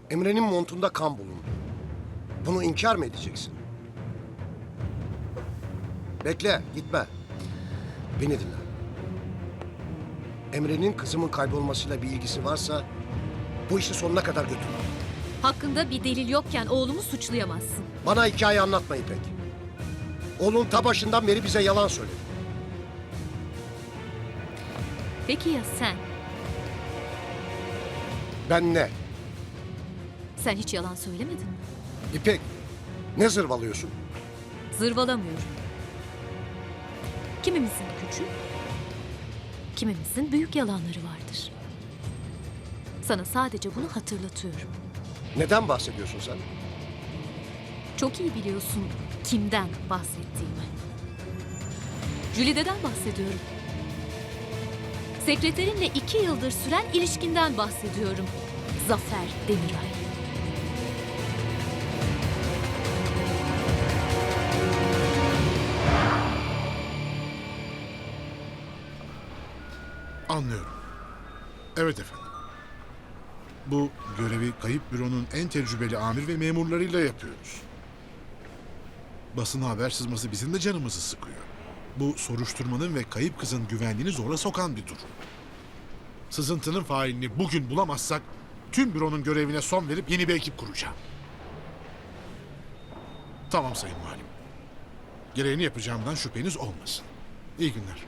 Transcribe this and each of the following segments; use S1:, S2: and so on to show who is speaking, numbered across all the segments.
S1: Emre'nin montunda kan bulundu. Bunu inkar mı edeceksin? Bekle, gitme. Beni dinle. Emre'nin kızımın kaybolmasıyla bir ilgisi varsa bu işi sonuna kadar götür.
S2: Hakkında bir delil yokken oğlumu suçlayamazsın.
S1: Bana hikaye anlatma İpek. Oğlun ta başından beri bize yalan söyledi.
S2: Peki ya sen?
S1: Ben ne?
S2: Sen hiç yalan söylemedin mi?
S1: İpek, ne zırvalıyorsun?
S2: Zırvalamıyorum. Kimimizin küçük, kimimizin büyük yalanları vardır. Sana sadece bunu hatırlatıyorum.
S1: Neden bahsediyorsun sen?
S2: Çok iyi biliyorsun kimden bahsettiğimi. Jülide'den bahsediyorum. Sekreterinle 2 yıldır süren ilişkinden bahsediyorum. Zafer Demiray.
S3: Anlıyorum. Evet efendim. Bu görevi kayıp büronun en tecrübeli amir ve memurlarıyla yapıyoruz. Basına haber sızması bizim de canımızı sıkıyor. Bu soruşturmanın ve kayıp kızın güvenliğini zora sokan bir durum. Sızıntının failini bugün bulamazsak tüm büronun görevine son verip yeni bir ekip kuracağım. Tamam sayın valim. Gereğini yapacağımdan şüpheniz olmasın. İyi günler.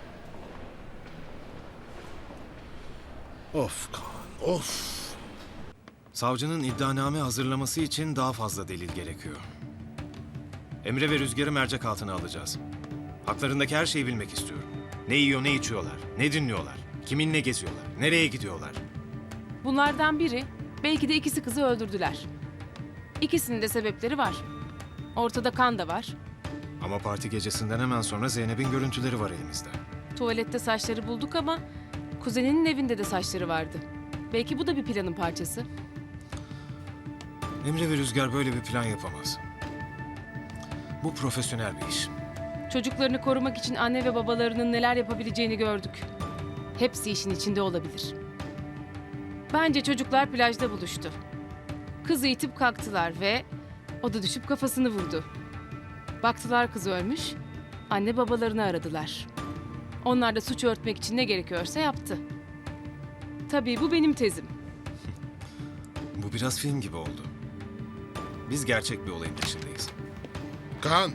S3: Of Kaan, of.
S4: Savcının iddianame hazırlaması için daha fazla delil gerekiyor. Emre ve Rüzgar'ı mercek altına alacağız. Haklarındaki her şeyi bilmek istiyorum. Ne yiyor, ne içiyorlar, ne dinliyorlar, kiminle geziyorlar, nereye gidiyorlar.
S5: Bunlardan biri, belki de ikisi kızı öldürdüler. İkisinin de sebepleri var. Ortada kan da var.
S4: Ama parti gecesinden hemen sonra Zeynep'in görüntüleri var elimizde.
S5: Tuvalette saçları bulduk ama kuzeninin evinde de saçları vardı. Belki bu da bir planın parçası.
S4: Emre ve Rüzgar böyle bir plan yapamaz. Bu profesyonel bir iş.
S5: Çocuklarını korumak için anne ve babalarının neler yapabileceğini gördük. Hepsi işin içinde olabilir. Bence çocuklar plajda buluştu. Kızı itip kalktılar ve o da düşüp kafasını vurdu. Baktılar kız ölmüş, anne babalarını aradılar. Onlar da suç örtmek için ne gerekiyorsa yaptı. Tabii bu benim tezim.
S4: Bu biraz film gibi oldu. Biz gerçek bir olayın peşindeyiz.
S3: Kaan.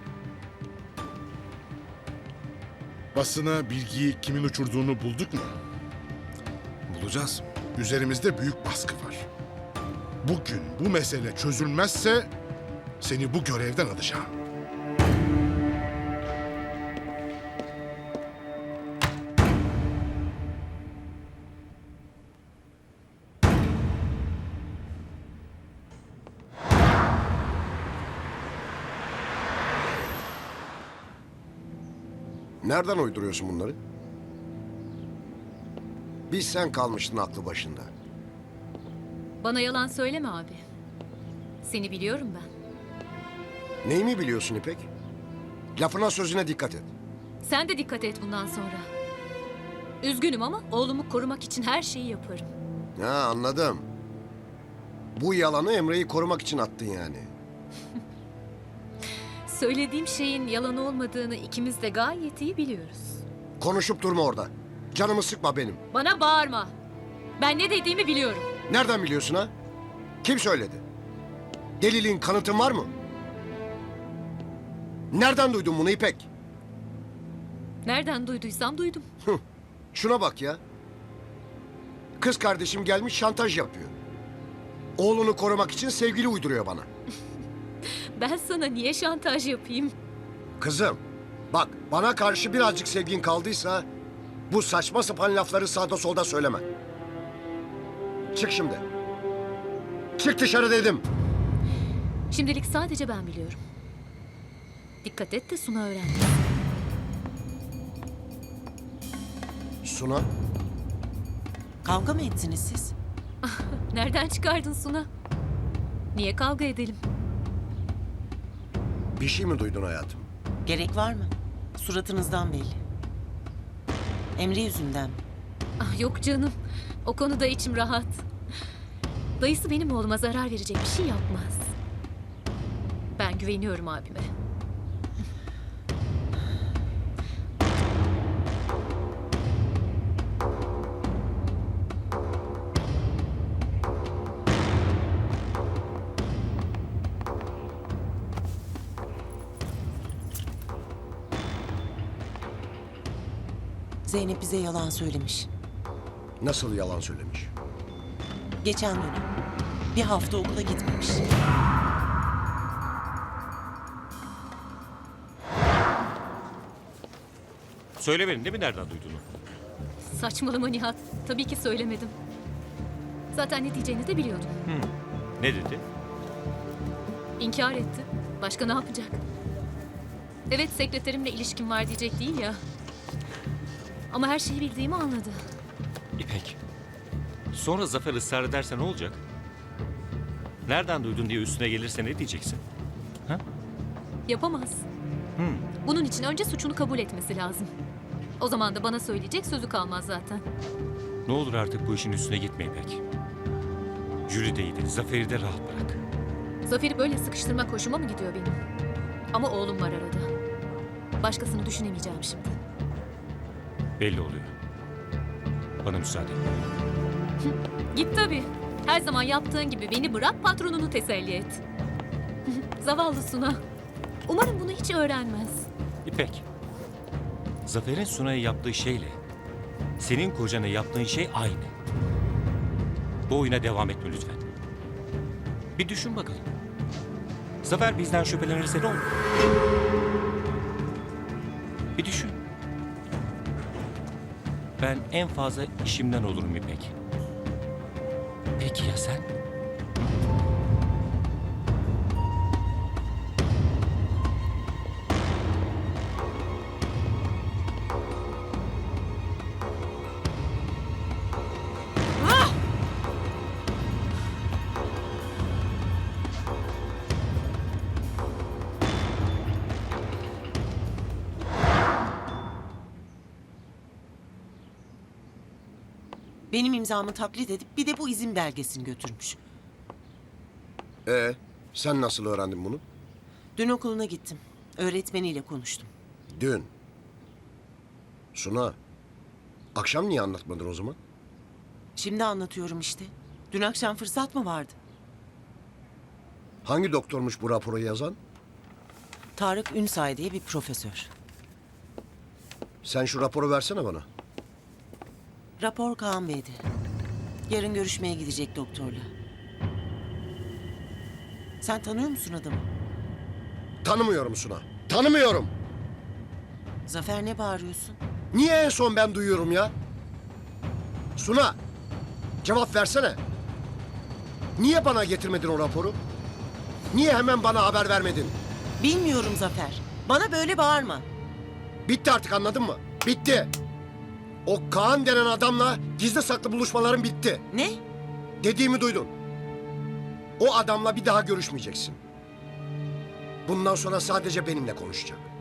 S3: Basına bilgiyi kimin uçurduğunu bulduk mu?
S4: Bulacağız.
S3: Üzerimizde büyük baskı var. Bugün bu mesele çözülmezse seni bu görevden alacağım.
S1: Nereden uyduruyorsun bunları? Biz sen kalmıştın aklı başında.
S2: Bana yalan söyleme abi. Seni biliyorum ben.
S1: Neyimi biliyorsun İpek? Lafına sözüne dikkat et.
S2: Sen de dikkat et bundan sonra. Üzgünüm ama oğlumu korumak için her şeyi yaparım.
S1: Ha, anladım. Bu yalanı Emre'yi korumak için attın yani.
S2: Söylediğim şeyin yalan olmadığını ikimiz de gayet iyi biliyoruz.
S1: Konuşup durma orada. Canımı sıkma benim.
S2: Bana bağırma. Ben ne dediğimi biliyorum.
S1: Nereden biliyorsun ha? Kim söyledi? Delilin, kanıtın var mı? Nereden duydun bunu İpek?
S2: Nereden duyduysam duydum.
S1: Şuna bak ya. Kız kardeşim gelmiş şantaj yapıyor. Oğlunu korumak için sevgili uyduruyor bana.
S2: Ben sana niye şantaj yapayım?
S1: Kızım, bak bana karşı birazcık sevgin kaldıysa bu saçma sapan lafları sağda solda söyleme. Çık şimdi. Çık dışarı dedim.
S2: Şimdilik sadece ben biliyorum. Dikkat et de Suna öğrenmesin.
S1: Suna,
S6: Kavga mı ettiniz siz?
S2: Nereden çıkardın Suna? Niye kavga edelim?
S1: bir şey mi duydun hayatım?
S6: Gerek var mı? Suratınızdan belli. Emre yüzünden mi?
S2: Ah yok canım. O konuda içim rahat. Dayısı benim oğluma zarar verecek bir şey yapmaz. Ben güveniyorum abime.
S6: Zeynep bize yalan söylemiş.
S1: Nasıl yalan söylemiş?
S6: Geçen dönem. Bir hafta okula gitmemiş.
S7: Söylemedin değil mi nereden duyduğunu?
S2: Saçmalama Nihat. Tabii ki söylemedim. Zaten ne diyeceğini de biliyordum.
S7: Ne dedi?
S2: İnkar etti. Başka ne yapacak? Evet, sekreterimle ilişkim var diyecek değil ya. Ama her şeyi bildiğimi anladı.
S7: İpek. Sonra Zafer ısrar ederse ne olacak? Nereden duydun diye üstüne gelirse ne diyeceksin?
S2: Yapamaz. Bunun için önce suçunu kabul etmesi lazım. O zaman da bana söyleyecek sözü kalmaz zaten.
S7: Ne olur artık bu işin üstüne gitme İpek. Jüride'yi de Zafer'i de rahat bırak.
S2: Zafer'i böyle sıkıştırmak hoşuma mı gidiyor benim? Ama oğlum var arada. Başkasını düşünemeyeceğim şimdi.
S7: Belli oluyor. Bana müsaade.
S2: Git tabii. Her zaman yaptığın gibi beni bırak, patronunu teselli et. Zavallı Suna. Umarım bunu hiç öğrenmez.
S7: İpek. Zafer'in Sunay'a yaptığı şeyle senin kocana yaptığın şey aynı. Bu oyuna devam etme lütfen. Bir düşün bakalım. Zafer bizden şüphelenirse ne olur? Bir düşün. Ben en fazla işimden olurum İpek. Peki ya sen?
S6: Benim imzamı taklit edip bir de bu izin belgesini götürmüş.
S1: Sen nasıl öğrendin bunu?
S6: Dün okuluna gittim. Öğretmeniyle konuştum.
S1: Dün. Suna, akşam niye anlatmadın o zaman?
S6: Şimdi anlatıyorum işte. Dün akşam fırsat mı vardı?
S1: Hangi doktormuş bu raporu yazan?
S6: Tarık Ünsay diye bir profesör.
S1: Sen şu raporu versene bana.
S6: Rapor Kaan Bey'di. Yarın görüşmeye gidecek doktorla. Sen tanıyor musun adamı?
S1: Tanımıyorum Suna. Tanımıyorum.
S6: Zafer, ne bağırıyorsun?
S1: Niye en son ben duyuyorum ya? Suna, cevap versene. Niye bana getirmedin o raporu? Niye hemen bana haber vermedin?
S6: Bilmiyorum Zafer. Bana böyle bağırma.
S1: Bitti artık, anladın mı? Bitti. O Kaan denen adamla gizli saklı buluşmaların bitti.
S6: Ne?
S1: Dediğimi duydun. O adamla bir daha görüşmeyeceksin. Bundan sonra sadece benimle konuşacak.